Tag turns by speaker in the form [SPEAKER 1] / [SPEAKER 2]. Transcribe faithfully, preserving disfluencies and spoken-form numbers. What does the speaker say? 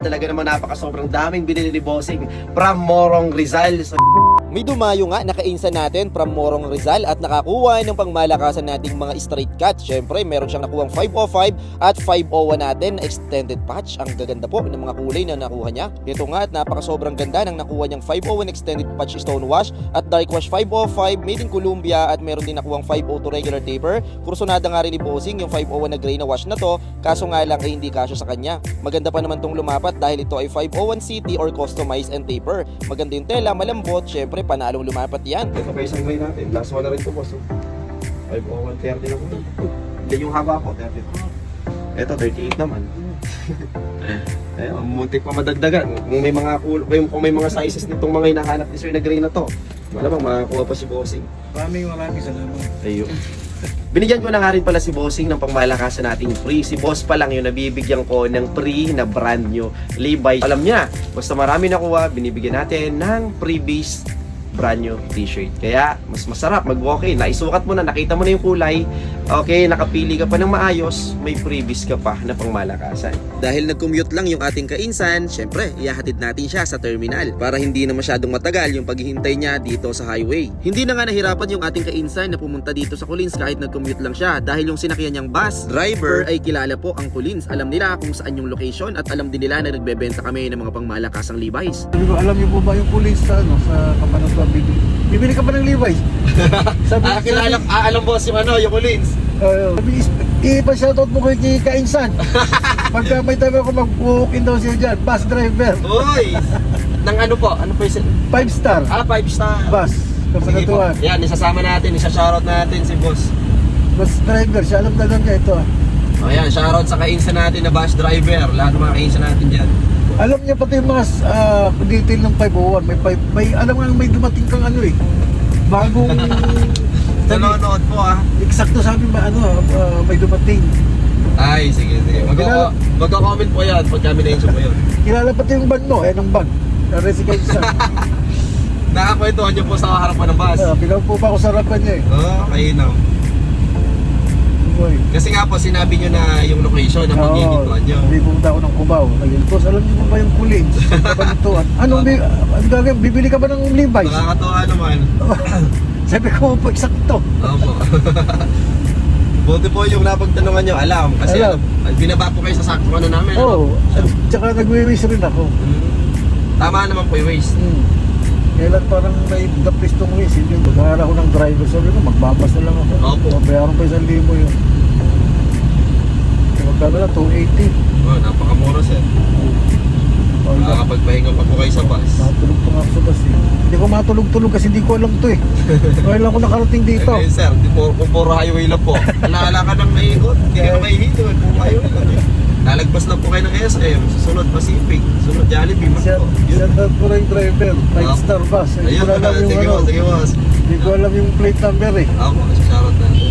[SPEAKER 1] Talaga naman napaka sobrang daming binili ni Bossing from Morong Rizal. So,
[SPEAKER 2] may dumayo nga nakainsa natin from Morong Rizal at nakakuha ng pangmalakasan nating mga straight cut. Syempre meron siyang nakuhang five oh five at five oh one natin na extended patch. Ang gaganda po ng mga kulay na nakuha niya. Ito nga at napaka sobrang ganda ng nakuha niyang five oh one extended patch stonewash at dark wash five oh five made in Colombia at meron din nakuhang five oh two regular taper. Kursunada nga rin ni Bossing yung five oh one na gray na wash na to, kaso nga lang ay hindi kasya sa kanya. Maganda pa naman tong lumapat dahil ito ay five oh one C T or customized and taper. Maganda yung tela, malambot, syempre panalong lumapat yan.
[SPEAKER 1] ito pa isang gray natin. Last one na rin ito, boss. five oh one thirty na ko. Hindi yung haba ko, thirty. Ito, thirty-eight naman. Ayun, muntik pa madagdagan. Kung may mga kung may mga sizes nitong mga hinahanap ni Sir na gray na to, malamang makakuha pa si Bossing.
[SPEAKER 3] Maraming maraming salamat.
[SPEAKER 1] Ayun. Binigyan ko na nga rin pala si Bossing ng pangmalakasan nating free. Si Boss pa lang yung nabibigyan ko ng free na brand new Levi's. Alam niya, basta marami nakuha, binibigyan natin ng freebies brand new t-shirt. Kaya, mas masarap mag-walk-in. Naisukat mo na, nakita mo na yung kulay. Okay, nakapili ka pa ng maayos, may freebies ka pa na pangmalakasan.
[SPEAKER 2] Dahil nag-commute lang yung ating kainsan, syempre, ihahatid natin siya sa terminal para hindi na masyadong matagal yung paghihintay niya dito sa highway. Hindi na nga nahirapan yung ating kainsan na pumunta dito sa Collins kahit nag-commute lang siya dahil yung sinakyan niyang bus driver ay kilala po ang Collins. Alam nila kung saan yung location at alam din nila na nagbebenta kami ng mga pangmalakasang Levi's.
[SPEAKER 3] Sabi ko, alam niyo po ba yung police sa ano, sa Kapanatuan bibili? Bibili ka pa ng Levi's? Sabi,
[SPEAKER 1] Ah, kilala, ah, alam boss yung ano, yung Collins.
[SPEAKER 3] Uh, sabi, ipa-shoutout mo kay kay Kainsan. Pagka may time ako mag-walk-in daw siya dyan, bus driver.
[SPEAKER 1] Uy! Nang ano po? Ano po yung...
[SPEAKER 3] Five star.
[SPEAKER 1] Ah, five star.
[SPEAKER 3] Bus.
[SPEAKER 1] Sige po.
[SPEAKER 3] Kapanatuan.
[SPEAKER 1] Yan, isasama natin, isa-shoutout natin si boss.
[SPEAKER 3] Bus driver, siya alam na lang niya ito.
[SPEAKER 1] O yan, shoutout sa kainsa natin na bus driver. Lahat ng mga kainsa natin dyan.
[SPEAKER 3] Alam niya pati yung mga uh, detail ng five oh one. May, five, may, alam nga may dumating kang ano eh. Bagong...
[SPEAKER 1] Nanonood po ah.
[SPEAKER 3] Eksakto sabi ba ano, uh, may dumating.
[SPEAKER 1] Ay, sige, sige.
[SPEAKER 3] Kilala-
[SPEAKER 1] Magka-comment po yan pag kami na-inso po yun.
[SPEAKER 3] Kilala pati yung bag mo, eh, ng bag. Nare si Kainsan.
[SPEAKER 1] Nakakwentuhan niyo po sa harapan ng bus.
[SPEAKER 3] Uh, Pilaw po ba ako sa harapan niya eh.
[SPEAKER 1] Oo, oh, ayun
[SPEAKER 3] Boy.
[SPEAKER 1] Kasi nga po, sinabi niyo na yung location na maghihintuan niyo.
[SPEAKER 3] Hindi pumunta ako ng Cubao. Ayun. Tapos alam niyo po ba yung Collins? Kapanatuan. Anong bi ang gagawin? Bibili ka ba ng Levi's?
[SPEAKER 1] Nakakatawa naman.
[SPEAKER 3] Sabi ko po, eksakto.
[SPEAKER 1] Opo. Buti po yung napagtanungan niyo, alam. Kasi
[SPEAKER 3] Alam.
[SPEAKER 1] alam. binaba po kayo sa sakto ano namin.
[SPEAKER 3] Oo. Oh, tsaka nag-wish rin ako.
[SPEAKER 1] Hmm. Tama naman po yung waste.
[SPEAKER 3] Hmm. Kailan parang may dapis tong wish. Hindi. Magkakala ko ng driver. Sabi ko, magbabas na lang ako.
[SPEAKER 1] Opo.
[SPEAKER 3] Mabayaran pa isang libo yun. Magkano na, two eighty.
[SPEAKER 1] Oh, napakamura sir.
[SPEAKER 3] Oh,
[SPEAKER 1] Nakakapagpahinga pa po kayo sa bus.
[SPEAKER 3] matulog pa nga ako sa bus eh. Hindi ko matulog-tulog kasi hindi ko alam to eh. Ngayon lang ako nakarating dito.
[SPEAKER 1] Eh, sir, di po, kung puro highway lang po. Alaala ka ng maikot, hindi ka na mahihito. Eh, puro highway lang eh. Lalagpas lang po kayo ng S M, susunod Pacific, susunod Jollibee, mas
[SPEAKER 3] Shout
[SPEAKER 1] po.
[SPEAKER 3] shout out ko lang yung driver, five
[SPEAKER 1] Oh.
[SPEAKER 3] star bus. Hindi
[SPEAKER 1] Ayun,
[SPEAKER 3] ko alam yung
[SPEAKER 1] sige
[SPEAKER 3] ano,
[SPEAKER 1] boss, sige boss.
[SPEAKER 3] hindi ko alam yung plate number eh.
[SPEAKER 1] Ako, shoutout natin.